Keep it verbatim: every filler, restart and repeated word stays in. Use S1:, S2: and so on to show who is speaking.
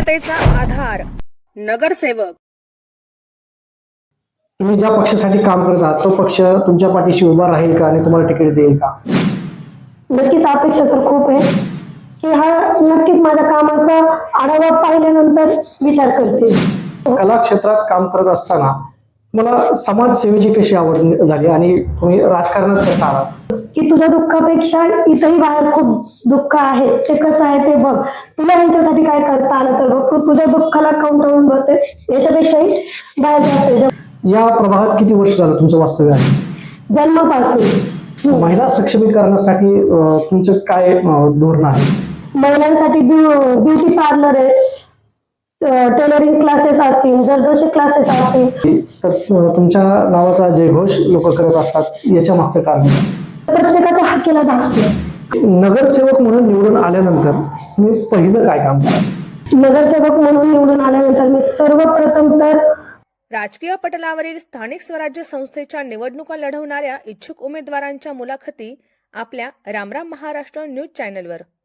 S1: जनतेचा आधार नगरसेवक।
S2: तुम्ही ज्या पक्षासाठी काम करत आहात तो पक्ष तुमच्या पाठीशी उभा राहील का आणि तुम्हाला तिकीट देईल का?
S3: नक्कीच अपेक्षा तर खूप आहे की हा नक्कीच माझ्या कामाचा आढावा पाहिल्यानंतर विचार करते।
S2: कला क्षेत्रात काम करत असताना तुम्हाला समाजसेवेची कशी आवड झाली आणि तुम्ही राजकारणात कसं आलात?
S3: की तुझ्या दुःखापेक्षा इथंही बाहेर खूप दुःख आहे, ते कसं आहे ते बघ, तुला यांच्यासाठी काय करता आलं तर बघ, तू तुझ्या दुःखाला काउंटरवरून बसते, याच्यापेक्षाही बाहेर जाते।
S2: या प्रभागात किती वर्ष झालं तुमचं वास्तव्य आहे?
S3: जन्मापासून
S2: महिला सक्षमीकरणासाठी अं, तुमचं काय अं, धोरण आहे?
S3: महिलांसाठी ब्युटी पार्लर आहे, टेलरिंग क्लासेस असतील, जरदोशी क्लासेस असतील,
S2: तर अं, तुमच्या नावाचा जयघोष लोक करत असतात, याच्या मागचं कारण काय?
S3: प्रत्येकाच्या हक्कीला धाकते।
S2: नगरसेवक म्हणून निवडून आल्यानंतर तुम्ही पहिलं काय काम करा?
S3: नगरसेवक म्हणून निवडून आल्यानंतर मी सर्वप्रथम तर
S1: राजकीय पटलावरील स्थानिक स्वराज्य संस्थेच्या निवडणुका लढवणाऱ्या इच्छुक उमेदवारांच्या मुलाखती आपल्या रामराम महाराष्ट्र न्यूज चॅनलवर।